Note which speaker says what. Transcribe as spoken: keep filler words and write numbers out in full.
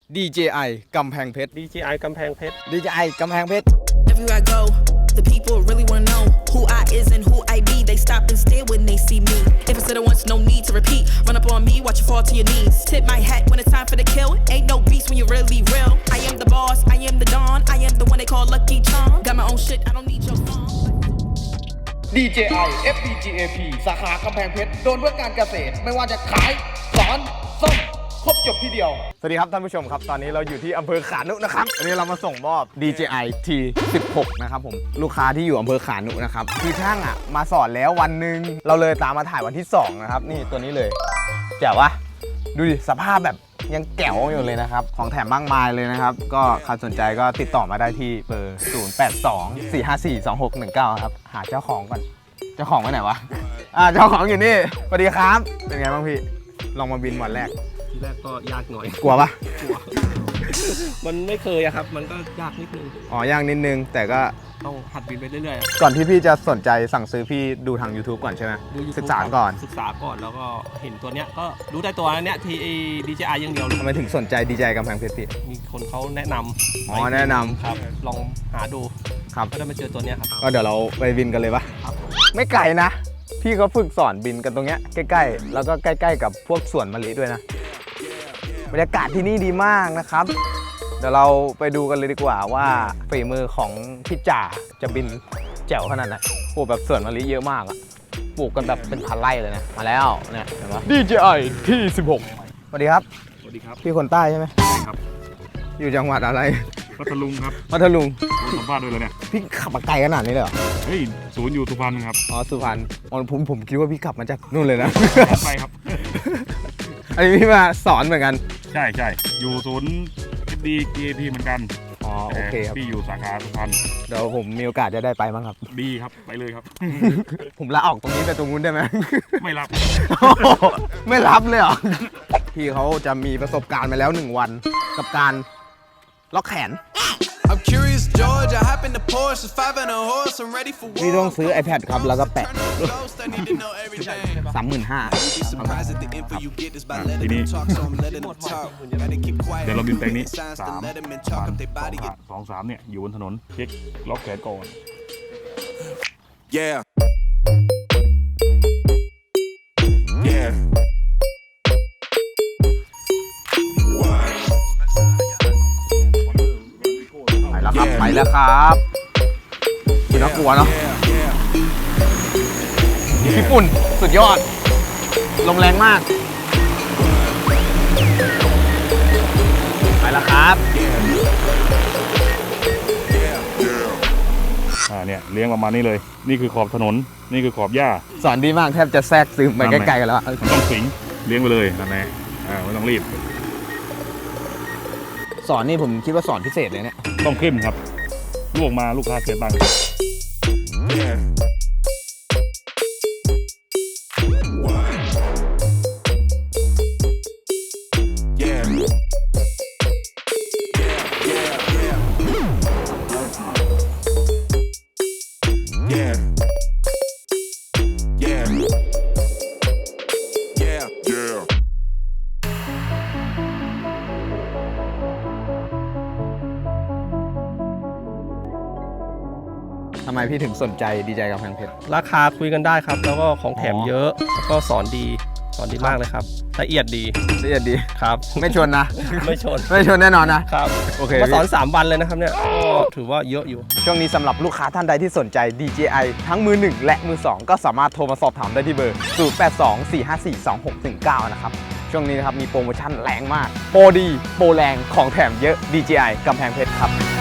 Speaker 1: ดี เจ ไอ กำแพงเพชร
Speaker 2: ดี เจ ไอ กำแพงเพชร
Speaker 1: ดี เจ ไอ กำแพงเพชร
Speaker 3: Everywhere I go, the people really wanna know who I is and who I be. They stop and stare when they see me. If it's said it once, no need to repeat. Run up on me, watch you fall to your knees. Tip my hat when it's time for the kill. Ain't no beast when you're really real. I am the boss, I am the Don. I am the one they call Lucky Charm. Got my own shit, I don't need your song.
Speaker 1: ดี เจ ไอ เอฟ บี จี เอ พี สาขากำแพงเพชรโดนเพื่อการเกษตรไม่ว่าจะขายสอนส่งครบจบที่เดียวสวัสดีครับท่านผู้ชมครับตอนนี้เราอยู่ที่อำเภอขานุนะครับวันนี้เรามาส่งมอบ ดี เจ ไอ ที สิบหก นะครับผมลูกค้าที่อยู่อำเภอขานุนะครับคือช่างอ่ะมาสอนแล้ววันหนึ่งเราเลยตามมาถ่ายวันที่สองนะครับนี่ตัวนี้เลยแจ๋ววะดูดิสภาพแบบยังแก๋วอยู่เลยนะครับของแถมมากมายเลยนะครับก็ใครสนใจก็ติดต่อมาได้ที่เบอร์ศูนย์ แปด สอง สี่ ห้า สี่ สอง หก หนึ่ง เก้าครับหาเจ้าของก่อนเจ้าของไปไหนวะอ่าเจ้าของอยู่นี่สวัสดีครับเป็นไงบ้างพี่ลองมาบินวันแรก
Speaker 2: ทีแรกก็ยากหน่อย
Speaker 1: กลัวปะ
Speaker 2: กลัวมันไม่เคยอะครับมันก็ยากนิดนึง
Speaker 1: อ๋อยากนิดนึงแต่ก็
Speaker 2: ต้องหัดบินไปเรื่อยๆ
Speaker 1: ก่อนที่พี่จะสนใจสั่งซื้อพี่ดูทาง YouTube ก่อนใช่ไหมศึกษาก่อน
Speaker 2: ศึกษาก่อนแล้วก็เห็นตัวเนี้ยก็รู้ได้ตัวเนี้ยที ดี เจ ไอ อย่างเดียว
Speaker 1: ทำไมถึงสนใจ ดี เจ ไอ กำแพงเพชรพี่
Speaker 2: มีคนเขาแนะนำ
Speaker 1: อ๋อแนะนำ
Speaker 2: ครับลองหาดู
Speaker 1: ครับ
Speaker 2: ก็ได้มาเจอตัวเนี้ยครับ
Speaker 1: ก็เดี๋ยวเราไปบินกันเลยปะไม่ไกลนะพี่เขาฝึกสอนบินกันตรงเนี้ยใกล้ๆแล้วก็ใกล้ๆกับพวกสวนมะลิด้วยนะบรรยากาศที่นี่ดีมากนะครับเดี๋ยวเราไปดูกันเลยดีกว่าว่าฝีมือของพี่จ่าจะบินแจ๋วขนาดไหนปลูกแบบสวนมะลิเยอะมากอะปลูกกันแบบเป็นพันไร่เลยนะมาแล้วเนี่ยเห็นไหม ดี เจ ไอ ที สิบหก สวัสดีครับ
Speaker 2: สวัสดีครับ
Speaker 1: พี่คนใต้ใช่ไหม
Speaker 2: ใช่ครับ
Speaker 1: อยู่จังหวัดอะไร
Speaker 4: พัทลุงครับ
Speaker 1: พัทลุง
Speaker 4: สัมภาษณ์ด้วยเลยเนี่ย
Speaker 1: พี่ขับมาไกลขนาดนี้เลยเหรอ
Speaker 4: เฮ้ยศูนย์อยู่สุพรรณครับ
Speaker 1: อ๋อสุพรรณอ๋อผมผมคิดว่าพี่ขับมาจากนู่นเลยนะ
Speaker 4: ไปครับ
Speaker 1: อันนี้พี่มาสอนเหมือนกัน
Speaker 4: ใช่ใช่อยู่ศูนย์ดี เจ พี เหมือนกัน
Speaker 1: อ๋อโอเคครับ
Speaker 4: พี่อยู่สาขาสุพรรณ
Speaker 1: เดี๋ยวผมมีโอกาสจะได้ไปบ้างครับ
Speaker 4: ดีครับไปเลยครับ
Speaker 1: ผมลาออกตรงนี้ไปตรงนู้นได้ไหม
Speaker 4: ไม่รับ
Speaker 1: ไม่รับเลยเหรอพี่เขาจะมีประสบการณ์มาแล้วหนึ่งวันกับการล็อกแขนพี่ต้องซื้อ iPad ครับแล้วก็แปะสามหมื่นห้า
Speaker 4: ทีนี้เดี๋ยวเราบินแปลงนี้สามสองสามเนี่ยอยู่บนถนนเช็คล็อกแขนก่อน yeah yeah
Speaker 1: ไปแล้วครับคือน่ากลัวเนาะญี่ปุ่นสุดยอดลมแรงมากไปแล้วครับ
Speaker 4: อ่าเนี่ยเลี้ยงประมาณนี้เลยนี่คือขอบถนนนี่คือขอบหญ้า
Speaker 1: สอนดีมากแทบจะแทรกซึมไปใกล้ๆกันแล้ว
Speaker 4: ต้องสิงเลี้ยงไปเลยนั่นแหละอ่าไม่ต้องรีบ
Speaker 1: สอนนี่ผมคิดว่าสอนพิเศษเลยเนี่ย
Speaker 4: ต้องเข้มครับลูกมาลูกค้าเสียตังค์
Speaker 1: ทำไมพี่ถึงสนใจ ดี เจ ไอ กำแพงเพชร
Speaker 2: ราคาคุยกันได้ครับแล้วก็ของแถมเยอะแล้วก็สอนดีสอนดีมากเลยครับละเอียดดี
Speaker 1: ละเอียดดี
Speaker 2: ครับ
Speaker 1: ไม่ชนนะ
Speaker 2: ไม่ชน
Speaker 1: ไม่ชนแน่นอนนะครับโอเค
Speaker 2: มาสอนสามวันเลยนะครับเนี่ยก็ถือว่าเยอะอยู่
Speaker 1: ช่วงนี้สำหรับลูกค้าท่านใดที่สนใจ ดี เจ ไอ ทั้งมือหนึ่งและมือสองก็สามารถโทรมาสอบถามได้ที่เบอร์ศูนย์ แปด สอง สี่ ห้า สี่ สอง หก หนึ่ง เก้านะครับช่วงนี้นะครับมีโปรโมชั่นแรงมากโปรดีโปรแรงของแถมเยอะ ดี เจ ไอ กำแพงเพชรครับ